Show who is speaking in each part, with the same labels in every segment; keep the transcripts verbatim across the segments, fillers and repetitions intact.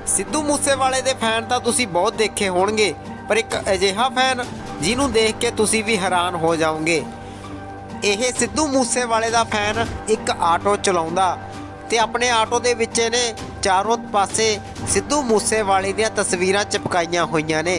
Speaker 1: ਸਿੱਧੂ ਮੂਸੇਵਾਲੇ ਦੇ ਫੈਨ ਤਾਂ ਤੁਸੀਂ ਬਹੁਤ ਦੇਖੇ ਹੋਣਗੇ, ਪਰ ਇੱਕ ਅਜਿਹਾ ਫੈਨ ਜਿਹਨੂੰ ਦੇਖ ਕੇ ਤੁਸੀਂ ਵੀ ਹੈਰਾਨ ਹੋ ਜਾਓਗੇ। ਇਹ ਸਿੱਧੂ ਮੂਸੇਵਾਲੇ ਦਾ ਫੈਨ ਇੱਕ ਆਟੋ ਚਲਾਉਂਦਾ ਤੇ ਆਪਣੇ ਆਟੋ ਦੇ ਵਿੱਚ ਇਹਨੇ ਚਾਰੋਂ ਪਾਸੇ ਸਿੱਧੂ ਮੂਸੇਵਾਲੇ ਦੀਆਂ ਤਸਵੀਰਾਂ ਚਿਪਕਾਈਆਂ ਹੋਈਆਂ ਨੇ।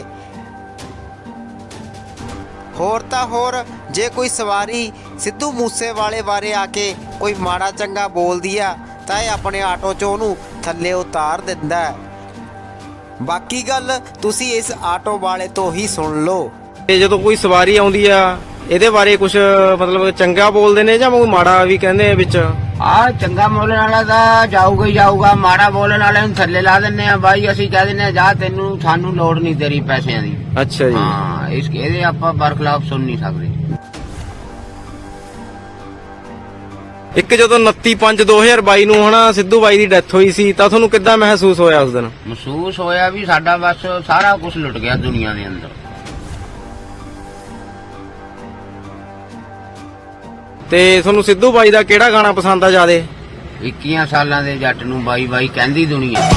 Speaker 1: ਹੋਰ ਤਾਂ ਹੋਰ ਜੇ ਕੋਈ ਸਵਾਰੀ ਸਿੱਧੂ ਮੂਸੇਵਾਲੇ ਬਾਰੇ ਆ ਕੇ ਕੋਈ ਮਾੜਾ ਚੰਗਾ ਬੋਲਦੀ ਆ ਤਾਂ ਇਹ ਆਪਣੇ ਆਟੋ 'ਚੋਂ ਉਹਨੂੰ ਥੱਲੇ ਉਤਾਰ ਦਿੰਦਾ ਹੈ। ਬਾਕੀ ਗੱਲ ਤੁਸੀਂ ਇਸ ਆਟੋ ਵਾਲੇ ਤੋਂ ਹੀ ਸੁਣ ਲਓ।
Speaker 2: ਤੇ ਜਦੋਂ ਕੋਈ ਸਵਾਰੀ ਆਉਂਦੀ ਆ ਇਹਦੇ ਬਾਰੇ ਕੁਝ ਮਤਲਬ ਚੰਗਾ ਬੋਲਦੇ ਨੇ ਜਾਂ ਕੋਈ ਮਾੜਾ ਵੀ ਕਹਿੰਦੇ ਆ ਵਿੱਚ?
Speaker 3: ਆ ਚੰਗਾ ਬੋਲਣ ਵਾਲਾ ਤਾਂ ਜਾਊਗਾ ਹੀ ਜਾਊਗਾ, ਮਾੜਾ ਬੋਲਣ ਵਾਲੇ ਨੂੰ ਥੱਲੇ ਲਾ ਦਿੰਨੇ ਆ ਬਾਈ। ਅਸੀਂ ਕਹਿ ਦਿੰਨੇ ਆ ਜਾ ਤੈਨੂੰ ਸਾਨੂੰ ਲੋੜ ਨਹੀਂ ਤੇਰੀ ਪੈਸਿਆਂ ਦੀ।
Speaker 2: ਅੱਛਾ ਜੀ।
Speaker 3: ਹਾਂ ਇਸ ਇਹਦੇ ਆਪਾਂ ਬਰਖਲਾਫ ਸੁਣ ਨਹੀਂ ਸਕਦੇ।
Speaker 2: ਇੱਕ ਜਦੋਂ ਉਨੱਤੀ ਪੰਜ ਦੋ ਹਜ਼ਾਰ ਬਾਈ ਨੂੰ ਹਨਾ ਸਿੱਧੂ ਬਾਈ ਦੀ ਡੈਥ ਹੋਈ ਸੀ ਤਾਂ ਤੁਹਾਨੂੰ ਕਿੱਦਾਂ ਮਹਿਸੂਸ ਹੋਇਆ ਉਸ ਦਿਨ?
Speaker 3: ਮਹਿਸੂਸ ਹੋਇਆ ਵੀ ਸਾਡਾ ਬਸ ਸਾਰਾ ਕੁਝ ਲੁੱਟ ਗਿਆ ਦੁਨੀਆ ਦੇ ਅੰਦਰ।
Speaker 2: ਤੇ ਤੁਹਾਨੂੰ ਸਿੱਧੂ ਬਾਈ ਦਾ ਕਿਹੜਾ ਗਾਣਾ ਪਸੰਦ ਆ ਜ਼ਿਆਦੇ?
Speaker 3: ਇੱਕੀਆਂ ਸਾਲਾਂ ਦੇ ਜੱਟ ਨੂੰ ਬਾਈ ਬਾਈ ਕਹਿੰਦੀ ਦੁਨੀਆ।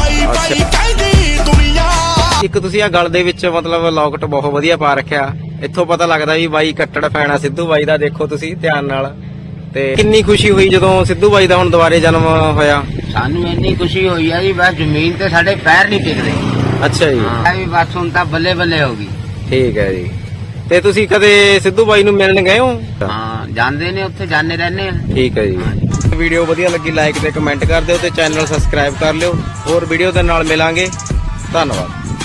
Speaker 2: ਇੱਕ ਤੁਸੀਂ ਆ ਗਲ ਦੇ ਵਿੱਚ ਮਤਲਬ ਲੌਕਟ ਬਹੁਤ ਵਧੀਆ ਪਾ ਰੱਖਿਆ, ਇੱਥੋਂ ਪਤਾ ਲੱਗਦਾ ਵੀ ਬਾਈ ਕੱਟੜ ਫੈਨ ਆ ਸਿੱਧੂ ਬਾਈ ਦਾ। ਦੇਖੋ ਤੁਸੀਂ ਧਿਆਨ ਨਾਲ। ਤੇ ਕਿੰਨੀ ਖੁਸ਼ੀ ਹੋਈ ਜਦੋਂ ਸਿੱਧੂ ਬਾਈ ਦਾ ਹੁਣ ਦੁਬਾਰੇ ਜਨਮ ਹੋਇਆ?
Speaker 3: ਸਾਨੂੰ ਇੰਨੀ ਖੁਸ਼ੀ ਹੋਈ ਆ ਜੀ ਬਸ ਜ਼ਮੀਨ ਤੇ ਸਾਡੇ ਪੈਰ ਨਹੀਂ ਟਿਕਦੇ।
Speaker 2: ਅੱਛਾ ਜੀ।
Speaker 3: ਹਾਂ ਵੀ ਬਸ ਹੁਣ ਤਾਂ ਬੱਲੇ ਬੱਲੇ ਹੋ ਗਈ।
Speaker 2: ਠੀਕ ਹੈ ਜੀ। ਤੇ ਤੁਸੀਂ ਕਦੇ ਸਿੱਧੂ ਬਾਈ ਨੂੰ ਮਿਲਣ ਗਏ ਹੋ?
Speaker 3: ਹਾਂ ਜਾਂਦੇ ਨੇ, ਉੱਥੇ ਜਾਂਦੇ ਰਹਿੰਦੇ ਆ।
Speaker 2: ਠੀਕ ਹੈ ਜੀ। ਵੀਡੀਓ ਵਧੀਆ ਲੱਗੀ ਲਾਈਕ ਤੇ ਕਮੈਂਟ ਕਰ ਦਿਓ ਤੇ ਚੈਨਲ ਸਬਸਕ੍ਰਾਈਬ ਕਰ ਲਿਓ। ਹੋਰ ਵੀਡੀਓ ਦੇ ਨਾਲ ਮਿਲਾਂਗੇ। ਧੰਨਵਾਦ।